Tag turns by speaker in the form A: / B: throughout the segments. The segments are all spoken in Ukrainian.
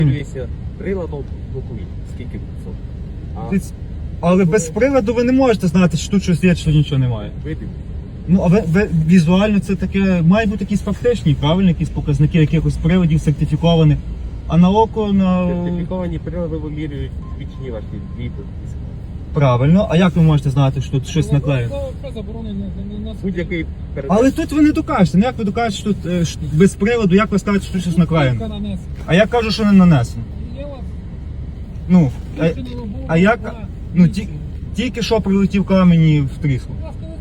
A: Дивіться, приладом блокує. Скільки відсотків?
B: Але без приладу ви не можете знати, що тут щось є, що нічого немає.
A: Видим.
B: Ну, а ви візуально це таке, має бути якісь фактичні, правильно, якісь показники якихось приладів сертифікованих. А на око,
A: Сертифіковані прилади вимірюють бічні ваші вітер.
B: Правильно, а як ви можете знати, що тут щось наклеєно?
A: Будь-який
B: Але тут ви не докажете. Ну як ви докажете, що тут без приладу, як ви скажете, що тут щось наклеєно? А я кажу, що не нанесено. Ну, а як? Ну, тільки що прилетів камені в тріску.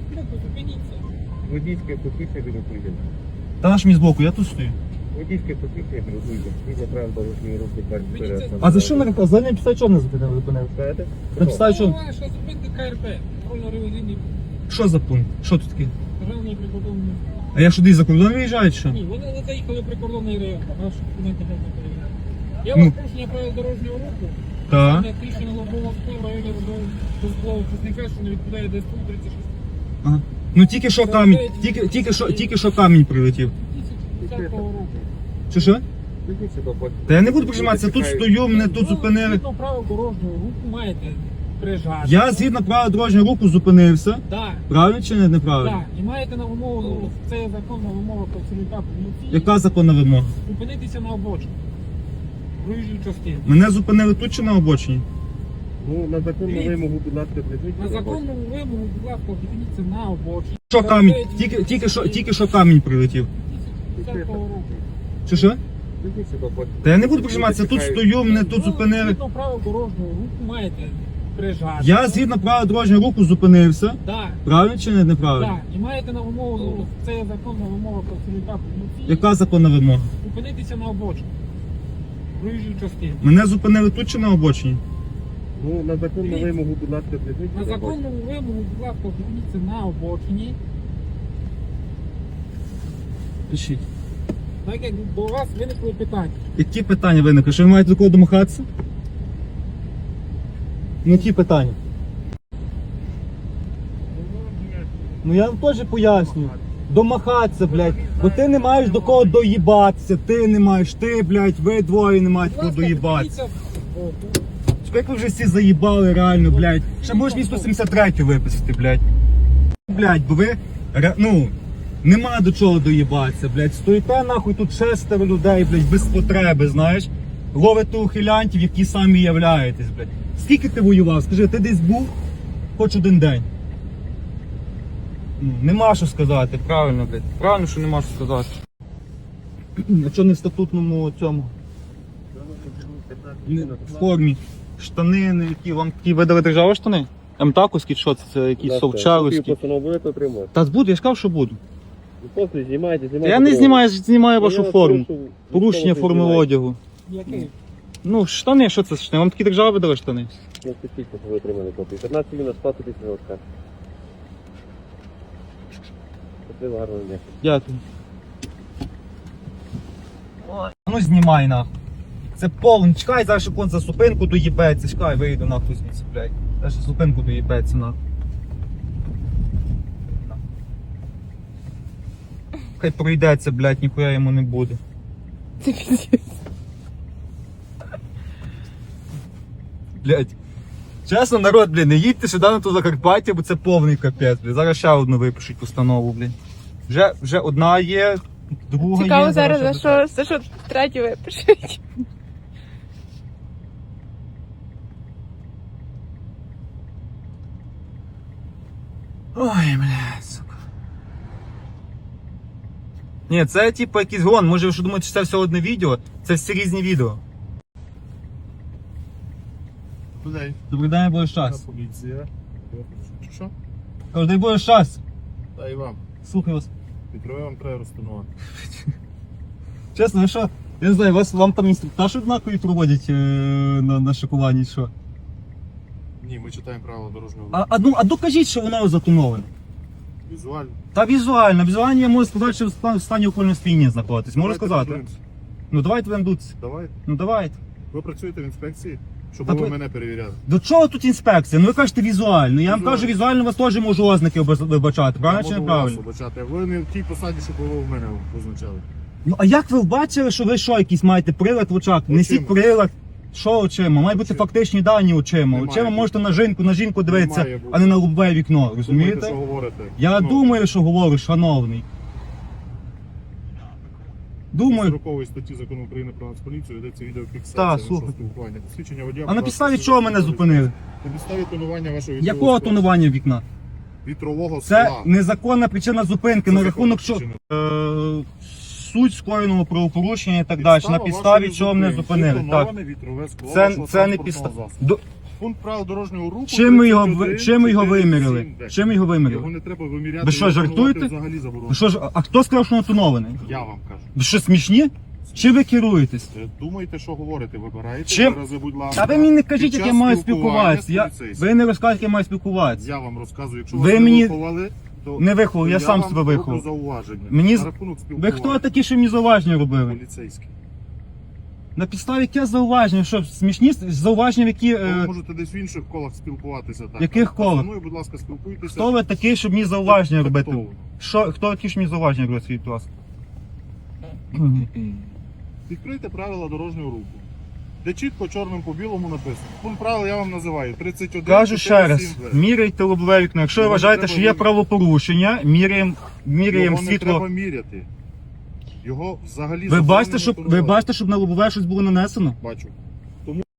A: водійське посвідчення друкуйте.
B: Та наш мій збоку, я тут стою.
A: Водійське посвідчення друкуйте. Згідно правил дорожньої руху перед.
B: А за що мене за ним підставі чого не зупинили?
A: Знаєте?
B: На підставі чого?
C: Що зупинити КРП, контрольно-ревізійний
B: Що за пункт? Що тут таке?
C: державний прикордонний.
B: А я що десь за кордон виїжджаю, чи що?
C: Ні, вони заїхали прикордонний район, а наші документи не перевіряють. Я
B: Ну.
C: вам порушення правил дорожнього руху.
B: Так.
C: Як рішення лобового скла в районі розбового часника, що не відповідає ДСПУ 36.
B: Ага. Ну тільки що камінь, тільки що камінь прилетів.
C: 2010 року.
B: Чи що?
A: Підіть сюди, бо-
B: Та я не буду прижиматися, тут стою, мене тут зупинили.
C: Згідно правил дорожнього руху маєте приїжджати.
B: Я згідно правил дорожнього руху зупинився.
C: Так.
B: Правильно чи неправильно?
C: Так, і маєте на вимогу, це є законна вимога працівника поліції,
B: Яка законна вимога?
C: зупинитися на обочині. Проїжджій частині.
B: Мене зупинили тут чи на обочині?
A: Ну, на законну вимогу, будь ласка, прийдіть.
C: На законну вимогу, будь ласка, зупиніться на обочині.
B: Що камінь? Тільки що камінь прилетів.
C: 2010 року.
B: Чи що?
A: Підіть сюди, бо-
B: Та я не буду прижиматися, тут стою, мене тут зупинили.
C: Згідно правил дорожнього руху маєте приїжджати.
B: Я згідно правил дорожнього руху зупинився.
C: Так,
B: Правильно чи неправильно?
C: так. І маєте на вимогу, це є законна вимога працівника поліції,
B: Яка законна вимога?
C: зупинитися на обочині. Проїжджій частині.
B: Мене зупинили тут чи на обочині?
A: Ну, на законну вимогу, будь ласка, прийдіть.
C: На законну вимогу, будь ласка, зупиніться на обочині.
B: Пишіть.
C: Так як до вас виникли питання.
B: Які питання виникли? Що ви маєте до кого домахатися? Ну які питання? Ну я вам теж пояснюю. Домахатися, блядь. Бо ти не маєш до кого доїбатися. Ти не маєш, ти, блядь, ви двоє не маєте
C: Будь
B: кого
C: ласка,
B: доїбатися.
C: подивіться.
B: Як ви вже всі заїбали реально, блядь. Ще можеш мені 173 виписати, блядь. Блядь, бо ви, ну, нема до чого доїбатися, блядь. Стоїте нахуй тут 6 людей, блядь, без потреби, знаєш. Ловите ухилянтів, які самі являєтесь, блядь. Скільки ти воював? Скажи, ти десь був хоч один день? Ну, нема що сказати, правильно, блядь. Правильно, що нема що сказати. А чого не в статутному цьому? В формі. Штани, які вам такі видали держава штани? МТАКовські, що це якісь совчаровські?
A: Постанову будете отримати.
B: Та буду, я ж сказав, що буду.
A: Ну, просто знімайте.
B: Та я не знімаю вашу форму.
A: Ну,
B: Порушення форми одягу.
C: Який?
B: Ну, штани, що це штани? Вам такі держава видали штани?
A: Ну, скільки ви отримали копію? 15 мінус 100 тисяч років. Це гарно, не.
B: Дякую. Ой, ну знімай нахуй. Це повний. Чекай, зараз ще кон за зупинку доїбеться. Чекай, вийду нахуй звідси, блядь. Зараз ще зупинку доїбеться нахуй. Хай пройдеться, блядь, ніхуя йому не буде.
C: Це піздець.
B: Блядь. Чесно, народ, блядь, не їдьте сюди на ту Закарпаття, бо це повний капець, блядь. Зараз ще одну випишуть постанову, блядь. Вже одна є, друга
D: Цікаво
B: є.
D: зараз,
B: ще
D: за що третю випишуть.
B: Ой, блядь, сука. Ні, це типу якийсь гон. Може ви що думаєте, що це все одне відео? Це всі різні відео.
A: Куди?
B: Добрий день, Боже щас.
A: Поліція. Що?
B: Кажу, дай Боже щас.
A: Та і вам.
B: Слухай вас.
A: Відкриваю вам треба розтанувати.
B: Чесно, ви що? Я не знаю, вам там інструктаж однакові проводять на шокуванні, що?
A: Ні, ми читаємо правила дорожнього
B: А докажіть, що воно затоноване.
A: Візуально.
B: Та візуально я можу сказати, що в стані окольного сп'яніння знаходитесь. Можу сказати? Ну давайте будемо дутися.
A: Давайте.
B: Ну давайте.
A: Ви працюєте в інспекції, щоб
B: Та
A: ви
B: ви-
A: мене перевіряли.
B: До чого тут інспекція? Ну ви кажете візуально. Я вам
A: Візуально.
B: кажу, візуально вас теж можу ознаки вибачати. Правильно чи
A: Я можу
B: неправильно?
A: вас вибачати. Ви не в тій посаді, щоб ви в мене позначали.
B: Ну а як ви бачили, що ви що, якийсь маєте прилад в очах? Несіть прилад. Що очима? Мають бути фактичні дані очима.
A: Немає
B: Очима можете на жінку дивитися,
A: Немає бути.
B: а не на лобове вікно,
A: Думаєте,
B: розумієте?
A: що говорите?
B: Я
A: Ну,
B: думаю, що говорю, шановний. Думаю.
A: 40 статті Закону України про Нацполіцію ведеться відеофіксація
B: Так,
A: нашого
B: слухайте.
A: спілкування. Посвідчення водія.
B: А на
A: будь
B: підставі
A: ласка,
B: чого мене зупинили?
A: На підставі тонування вашого вітрового
B: Якого
A: скла.
B: тонування вікна?
A: Вітрового скла.
B: Це незаконна причина зупинки
A: Це
B: на рахунок що
A: законна
B: суть скоєного правопорушення і так далі. На підставі чого мене зупинили. Так.
A: Тоноване вітрове скло
B: Це
A: вашого
B: не
A: транспортного
B: підстава.
A: засобу. Пункт правил дорожнього руху.
B: Чим ми його
A: 31,
B: виміряли?
A: 47,
B: Чим ми його
A: Його
B: виміряли?
A: не треба виміряти.
B: Ви що,
A: його тонувати
B: жартуєте?
A: Взагалі заборонено.
B: Ви що ж, а хто сказав, що воно тонований?
A: Я вам кажу.
B: Ви що, смішні? Чи ви керуєтесь?
A: Думайте, що говорите, вибирайте.
B: Чим?
A: Рази, будь ласка.
B: А ви мені не кажіть,
A: Під
B: як
A: час
B: я маю
A: спілкування
B: спілкуватися.
A: з поліцейським.
B: Ви не розкажете, як я маю спілкуватися.
A: Я вам розказую, якщо
B: Ви
A: вас
B: мені
A: не виховали, то
B: не виховав, я сам
A: вам
B: себе
A: роблю
B: виховав.
A: зауваження.
B: Мені
A: На рахунок
B: Ви
A: спілкування.
B: хто такі, що мені зауваження робили?
A: Поліцейський.
B: На підставі яке зауваження? Що, смішні зауваження, які...
A: Ви можете десь в інших колах спілкуватися. Так.
B: Яких колах?
A: Зі мною, будь ласка, спілкуйтеся.
B: Хто ви такий, щоб мені зауваження робити?
A: Тактовно.
B: Хто такий, що мені зауваження робити, скажіть, будь ласка?
A: Відкрийте правила дорожнього руху. Де чітко чорним по білому написано. Пункт правил я вам називаю. 31.
B: Кажу ще раз,
A: 47.
B: міряйте лобове вікно. Якщо ви
A: Його не
B: вважаєте,
A: треба
B: що є правопорушення, міряємо
A: Його не треба
B: світло.
A: міряти. Його взагалі
B: Ви бачите,
A: заборонено
B: щоб
A: тонувати.
B: на лобове щось було нанесено?
A: Бачу.